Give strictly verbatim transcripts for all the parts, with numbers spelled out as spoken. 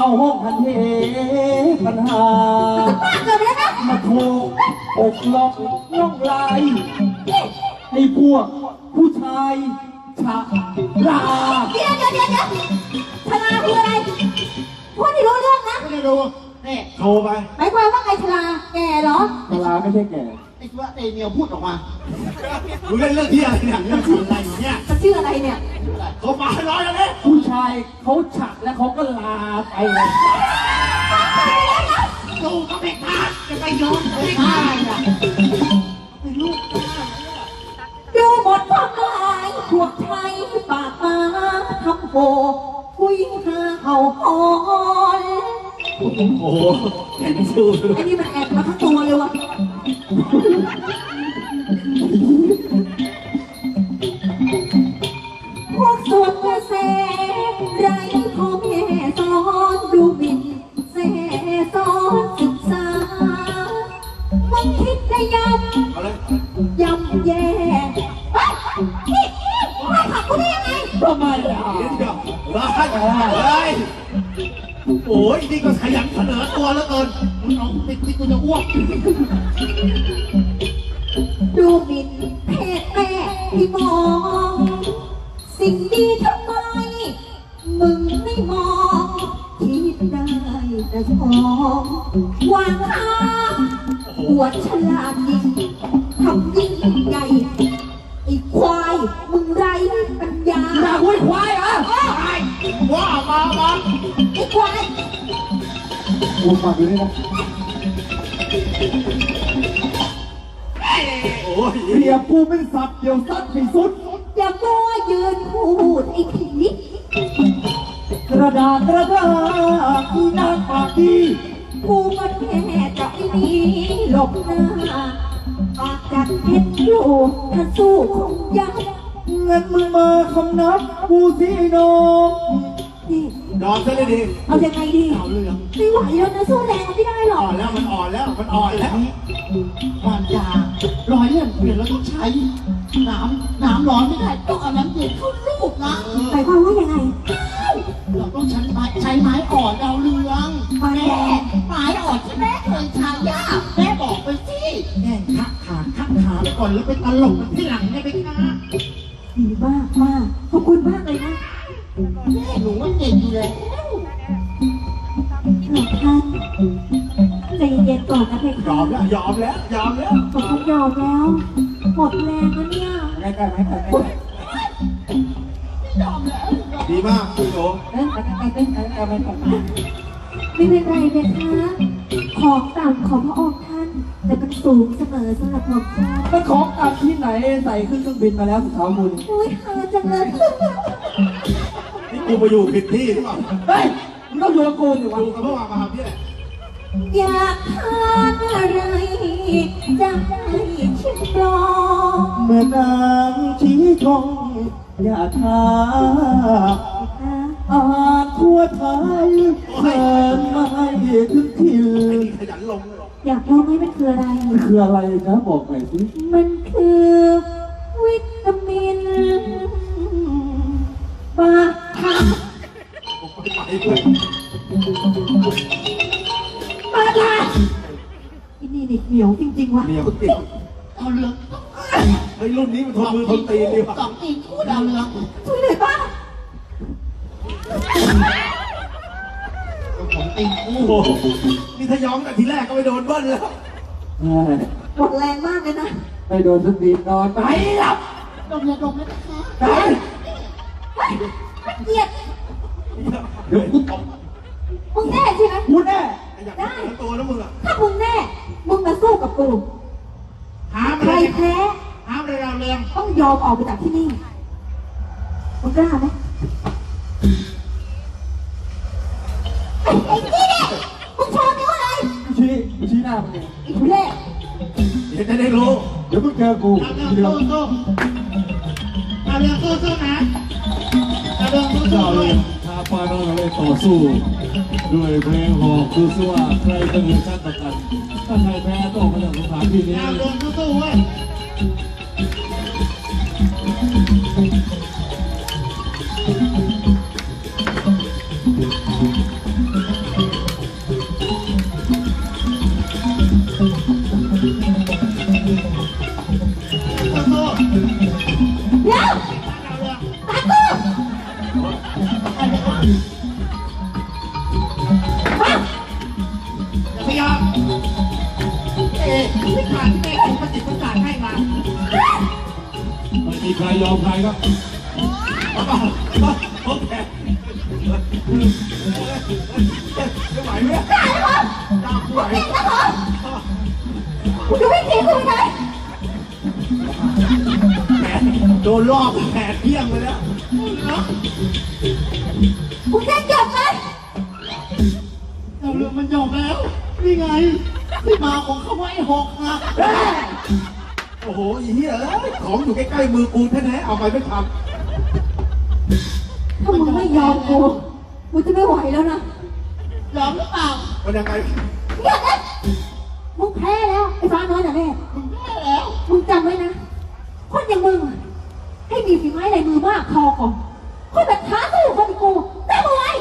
เข้าห้องทันเทปัญหาป้าเกิดไปแล้วนะมาโทรอกล็อกล่องลายให้พวกผู้ชายฉะลาเดี๋ยวเดี๋ยวเดี๋ยวเดี๋ยวชลาคืออะไรพูดที่รู้เรื่องนะไม่ได้ดูนี่โทรไปหมายความว่าไงชลาแก่เหรอฉลาไม่ใช่แก่ไอ้ว่าไอ้เมียวพูดออกมามึงเล่นเรื่องที่อะไรเนี่ยเรื่องอะไรเนี่ยมันชื่ออะไรเนี่ยเขามาให้ร้อยแล้วเนี่ยผู้ชายเขาฉะแล้วเขาก็ลาไปเลยดูก็ไม่พลาดจะไปโยนไม่พลาดอ่ะไอ้ลูกดูหมดความหมายพวกไทยปากมาทำโหคุยหาเขาหอนโอ้โหแข่งสู้เลยไอ้นี่มันแอบมาทั้งตัวเลยวะพวกส่วนเสไรพ่อแม่สอนดูหมิ่นเสสอนศึกษามึงคิดได้ยังเอาเลยยำแย่เฮ้ยนี่มาขับกูได้ยังไงทำไมอ่ะเดี๋ยวร้ายเฮ้ยโอ้ยนี่ก็ขยันเสนอตัวแล้วเกินมึงเอาติ๊กติ๊กกูจะอ้วกดูหมิ่นเพศแม่ที่มอง สิ่งดีทำไม มึงไม่มองคิดได้แต่ชองวางข้างอวดฉลาดยิ่งทำยิ่งใหญ่ไอ้ควายมึงไรปัญญาอยากวิ่งควายเหรออ้อไอ้ว้ามามาไอ้ควายกูฟังอยู่นี่นะโอ้ยเรียกกูเป็นสัตว์เดียวสัตว์ให้สุดอย่ามัวยืนพูดไอ้ผีกระดาษกระดาษอีนางปากดีกูมันแค่จะไอ้นี้หลบหน้าปากจัดเพชรอยู่ถ้าสู้คงยักเงินมึงมาคำนับกูสิน้องนี่นอนซะเลยดิเอายังไงดีเอาเรื่องไม่ไหวแล้วนะสู้แรงมันไม่ได้หรออ่อก นแล้วมันอ่อนแล้วมันอ่อนแล้วความยารอยเลื่อนเปลี่ยนเราต้องใช้น้ำน้ำร้อนไม่ได้ต้องเอาน้ำเย็นเข้าลูกนะหมายความว่ายังไงเราต้องใช้ไม้ใช้ไม้อ่อนดาวเรืองไม้แม่อ่อนไม้อ่อนที่แม่เคยใช้ย่าแม่บอกไปสิแม่ทักขาทักขาไปก่อนแล้วไปตลกกันที่หลังเนี่ยไปค่ะดีมากมากขอบคุณมากเลยนะแม่หนูว่าเก่งอยู่แล้วหลวงท่านใจเย็นๆก่อนนะเพยคะอมแล้วยอมแล้วยอมแล้วผมต้องยอมแล้ว หมดแรงแล้วเนี่ยใกล้ใกล้ไหมใกล้ใกล้ดีมากคุณโจเอ้ยใกล้ใกล้ใกล้ใกล้ใกล้ไหมใกล้ไหมไม่เป็นไรเพคะ ของต่ำของพระองค์ท่าน แต่มันสูงเสมอสำหรับผมท่านมันของกลับที่ไหนใส่ขึ้นเครื่องบินมาแล้วสุดท้ายคุณอุ้ยหาจังเลยนี่กูมาอยู่ผิดที่หรือเปล่าเฮ้ยมึงต้องอยู่กับกูสิวะอยู่กับพวกมาหาพี่แหละอยากทานอะไรจะให้ชิมลองเมื่อนางชี้ทองอย่าท้านะอาหารทั่วไทยเชิญมาให้ถึงถิ่นอยากรู้ไหมมันคืออะไรมันคืออะไรนะบอกหน่อยสิมันคือวิตามินปลาทับปลาทับอันนี้เด็กเหนียวจริงๆวะเมียกูติดดาวเรืองไอ้รุ่นนี้มันทนมือทนตีนดีว่ะสองตีนคู่ดาวเรืองช่วยหน่อยป้าผมตีนคู่โอ้โหนี่ถ้าย้อมแต่ทีแรกก็ไปโดนเบิ้ลแล้วหมดแรงมากเลยนะไปโดนทุกดีนอนไปหลับดมยาดมไหมนะคะไปเฮ้ยมันเกลียดเดี๋ยวกูตบมึงแน่ใช่ไหมกูแน่อยากเจอตัวแล้วมึงอ่ะถ้ามึงแน่ มึงมาสู้กับกูหามใคเลรยแพ้หามเลยดาวเรืองต้องยอมออกไปจากที่นี่ มึงกล้าไหมไอ้ไอ้นี่เนี่ยมึงโชว์นิ้วอะไรชี้ชี้หน้ามึงเองไอ้ทุเรศเดี๋ยวจะได้รู้เดี๋ยวมึงเจอกูดาวเรืองสู้สู้ดาวเรืองสู้สู้นะดาวเรืองสู้สู้ด้วยท้าป้าน้องเลยต่อสู้ ด้วยเพลงหอกดูซิว่าใครจะเหนือชั้นต่อกัน ถ้าใครแพ้ต้องมาจากสถานที่นี้ดาวเรืองสู้สู้เว้ยวิชาที่แม่ผมประสิทธิ์ประสานให้มาไม่มีใครยอมใครครับโอเคจะไหวไหมได้เหรอตามกูไหวเก่งนะเหรอคุณดูไม่เก่งคุณไหมแหมโดนรอบแผลเที่ยงไปแล้วคุณจะจบไหมเราเรื่องมันจบแล้ว นี่ไง ที่มาของคำว่าไอ้หอกหักโอ้โหอีเหี้ยเอ้ยของอยู่ใกล้ๆมือกูแท้ๆเอาไปไม่ทันถ้ามึงไม่ยอมกูกูจะไม่ไหวแล้วนะยอมหรือเปล่ามันยังไงเดี๋ยวนะมึงแพ้แล้วไอ้ฟ้าน้อยน่ะแม่มึงได้แล้วมึงจำไว้นะ คนอย่างมึงอะให้มีฝีไม้ลายมือมากพอก่อนคนแบบท้าสู้คนอย่างกูได้ไหม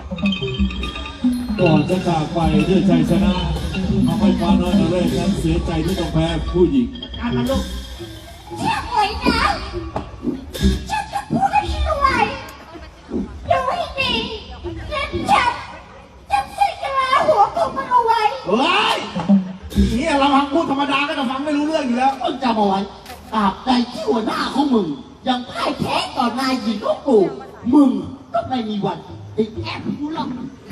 ก่อนจะจากไปด้วยชัยชนะทำให้ฟ้าน้อยนเรศนั้นเสียใจที่ต้องแพ้ผู้หญิงการมาลูกเชื่อไว้นะฉันจะพูดให้เชื่อไว้ดูให้ดีและฉันจะใส่กระลาหัวของมันเอาไว้เฮ้ยอีเหี้ยเราฟังพูดธรรมดาก็จะฟังไม่รู้เรื่องอยู่แล้วมึงจำเอาไว้ตราบใดที่หัวหน้าของมึง ยังพ่ายแพ้ต่อนายหญิงของกูมึงก็ไม่มีวันติดแอบกูหรอก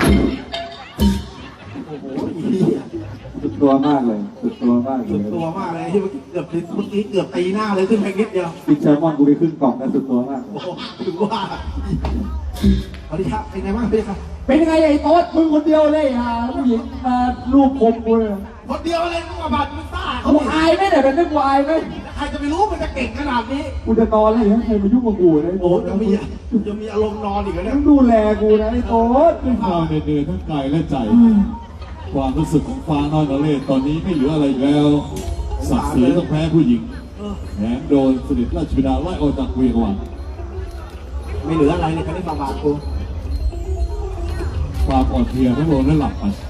โอ้โหอีเหี้ยสุดตัวมากเลย สุดตัวมากเลสุยดตัวมากเลยที่เมื่อกี้เกือบเมื่อกี้เกือบตีหน้าเลยขึ้นไปนิดเดียวบิ๊กแซลมอนกูไปครึ่งกล่องนะสุดตัวมากโอ้โหถึงว่าสวัสดีครับเป็นไงบ้างพี่ครับเป็นยังไงไอ้โต๊ดมึงคนเดียวเลยอ่ะผู้หญิงมารูปผมกูเลยคนเดียวเลยมึงมาบาดมึงซ่าเขากูดิอายไหมเนี่ยเป็นไม่กูอายไหมใครจะไปรู้มันจะเก่งขนาดนี้กูจะนอนแล้วอย่างใครมายุ่งกับกูนะไอ้โอ้โต๊โหดจะมีจะมีอารมณ์นอนอีกแล้วเนี่ยต้องดูแลกูนะไอ้โต๊ดด้วยความเหนื่อยทั้งกายและใจ ความรู้สึกของฟ้าน้อยนเรศตอนนี้ไม่เหลืออะไรอีกแล้วศักดิ์ศรีต้องแพ้ผู้หญิงแถมโดนสนิทราชบิดาไล่ออกจากเวียงวันไม่เหลืออะไรเลยคันนี้มาบาดกูความอ่อนเพลียทั้งโดนและหลับไป